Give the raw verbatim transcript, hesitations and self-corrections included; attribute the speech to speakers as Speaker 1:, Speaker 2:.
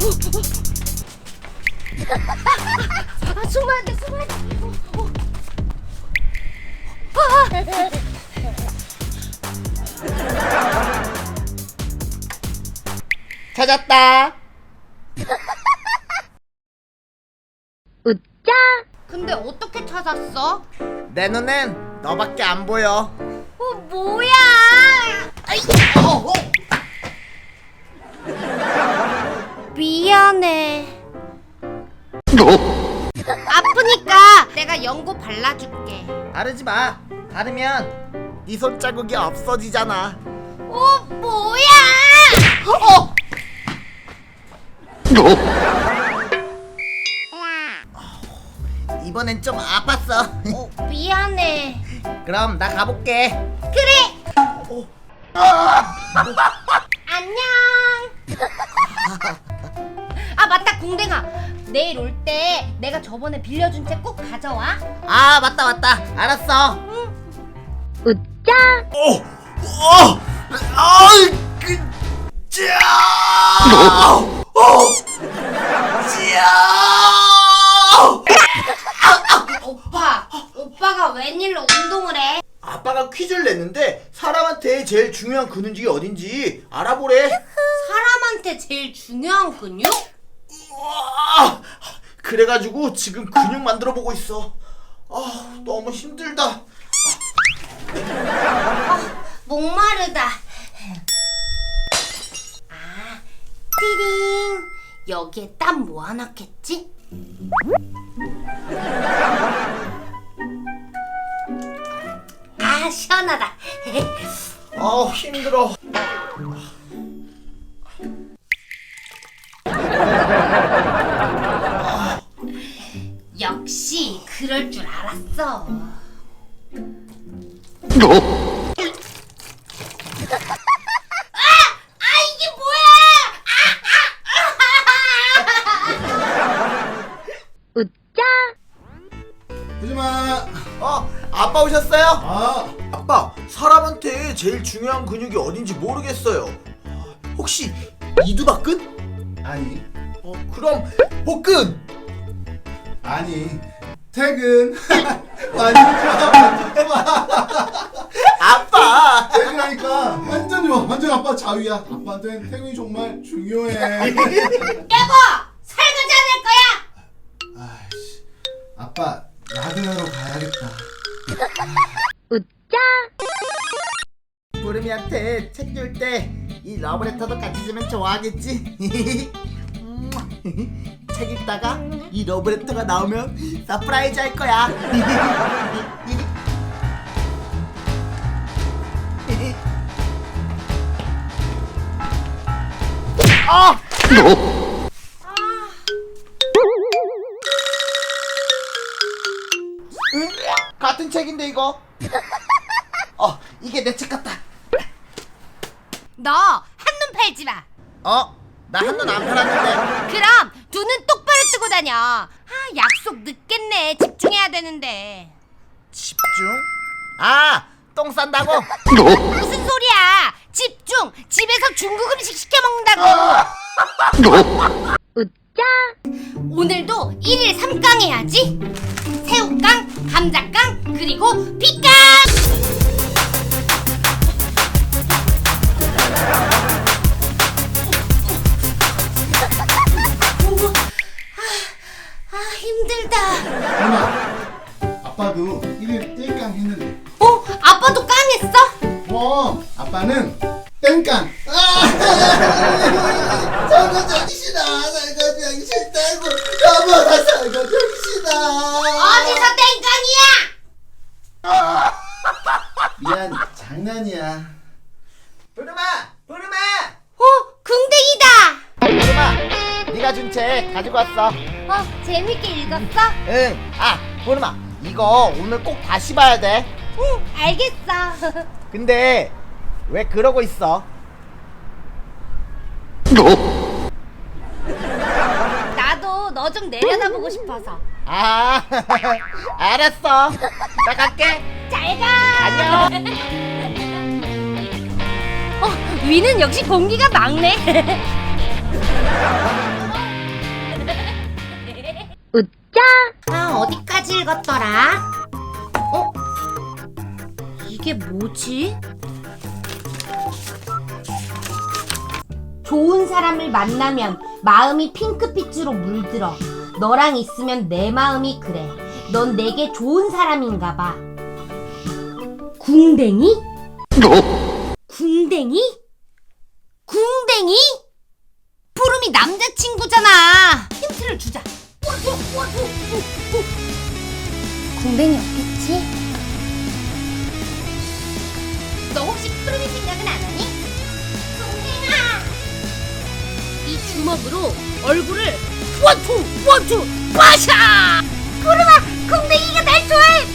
Speaker 1: 아, 숨어야 돼, 숨어야 돼. 어, 어. 아!
Speaker 2: 찾았다.
Speaker 1: 웃자. 근데 어떻게 찾았어?
Speaker 2: 내 눈엔 너밖에 안 보여.
Speaker 1: 어, 뭐야? 아이,
Speaker 2: 어, 어.
Speaker 1: 미안해. 아프니까 내가 연고 발라줄게.
Speaker 2: 바르지 마. 바르면 네 손자국이 없어지잖아.
Speaker 1: 어, 뭐야?
Speaker 2: 어! 이번엔 좀 아팠어.
Speaker 1: 어, 미안해.
Speaker 2: 그럼 나 가볼게.
Speaker 1: 그래.
Speaker 2: 어.
Speaker 1: 안녕. 아, 맞다, 궁뎅아. 내일 올 때 내가 저번에 빌려준 책 꼭 가져와.
Speaker 2: 아, 맞다 맞다. 알았어.
Speaker 1: 웃자.
Speaker 2: 어, 어, 아, 그, 짜, 어, 짜.
Speaker 1: 오빠, 오빠가 웬일로 운동을 해?
Speaker 2: 아빠가 퀴즈를 냈는데 사람한테 제일 중요한 근육이 어딘지 알아보래.
Speaker 1: 사람한테 제일 중요한 근육?
Speaker 2: 우와, 그래가지고 지금 근육 만들어 보고 있어. 아, 너무 힘들다.
Speaker 1: 목마르다. 아, 띠링. 여기에 땀 모아놨겠지? 아, 시원하다.
Speaker 2: 아, 힘들어.
Speaker 1: 역시 그럴 줄 알았어. 아! 아, 이게 뭐야! 웃자.
Speaker 3: 하지마.
Speaker 2: 어, 아빠 오셨어요?
Speaker 3: 아,
Speaker 2: 아빠, 사람한테 제일 중요한 근육이 어딘지 모르겠어요. 혹시 이두박근?
Speaker 3: 아니,
Speaker 2: 어, 그럼 복근.
Speaker 3: 아니, 퇴근. 완전 좋아, 완전 좋아.
Speaker 2: 아빠.
Speaker 3: 퇴근하니까 완전 좋아, 완전 아빠 자유야. 아빠한테는 퇴근이 정말 중요해.
Speaker 1: 여보! 설거지 안 할 거야!
Speaker 3: 아이씨, 아빠 라디오로 가야겠다.
Speaker 1: 웃자.
Speaker 2: 부름이한테 책 줄 때 이 러브레터도 같이 주면 좋아하겠지? 책 읽다가 이 러브레터가 나오면 서프라이즈 할 거야. 아! 응? 같은 책인데 이거? 어, 이게 내 책 같다.
Speaker 1: 너 한눈 팔지 마.
Speaker 2: 어? 나 한눈 안 팔았는데.
Speaker 1: 그럼 두 눈 똑바로 뜨고 다녀. 아, 약속 늦겠네. 집중해야 되는데.
Speaker 2: 집중? 아, 똥 싼다고?
Speaker 1: 무슨 소리야? 집중. 집에서 중국 음식 시켜 먹는다고. 웃자. 오늘도 일일 삼강 해야지. 새우깡, 감자깡, 그리고 피깡. 아, 힘들다.
Speaker 3: 엄마, 아빠도 일일 땡깡 했는데.
Speaker 1: 어? 아빠도 깡했어?
Speaker 3: 뭐, 아빠는 땡깡. 아, 설거지 하기 싫어. 설거지 하기 싫다고. 여보, 나 설거지 하기 싫어.
Speaker 1: 어디서 땡깡이야?
Speaker 3: 미안, 장난이야.
Speaker 2: 부름아! 부름아!
Speaker 1: 어? 궁뎅이다.
Speaker 2: 부름아! 네가 준 책 가지고 왔어.
Speaker 1: 어? 재밌게 읽었어?
Speaker 2: 응. 아, 부름아, 이거 오늘 꼭 다시 봐야 돼.
Speaker 1: 응, 알겠어.
Speaker 2: 근데 왜 그러고 있어?
Speaker 1: 나도 너 좀 내려다보고 싶어서.
Speaker 2: 아, 알았어. 나 갈게.
Speaker 1: 잘 가.
Speaker 2: 안녕.
Speaker 1: 어, 위는 역시 공기가 막네. 아, 어디까지 읽었더라? 어? 이게 뭐지? 좋은 사람을 만나면 마음이 핑크빛으로 물들어. 너랑 있으면 내 마음이 그래. 넌 내게 좋은 사람인가 봐. 궁뎅이? 궁뎅이? 궁뎅이? 푸름이 남자친구잖아. 힌트를 주자. 궁뎅이였겠지? 너 혹시 푸름이 생각은 안 하니? 궁뎅아! 이 주먹으로 얼굴을 원투 원투 빠샤! 푸름아, 궁뎅이가 날 좋아해.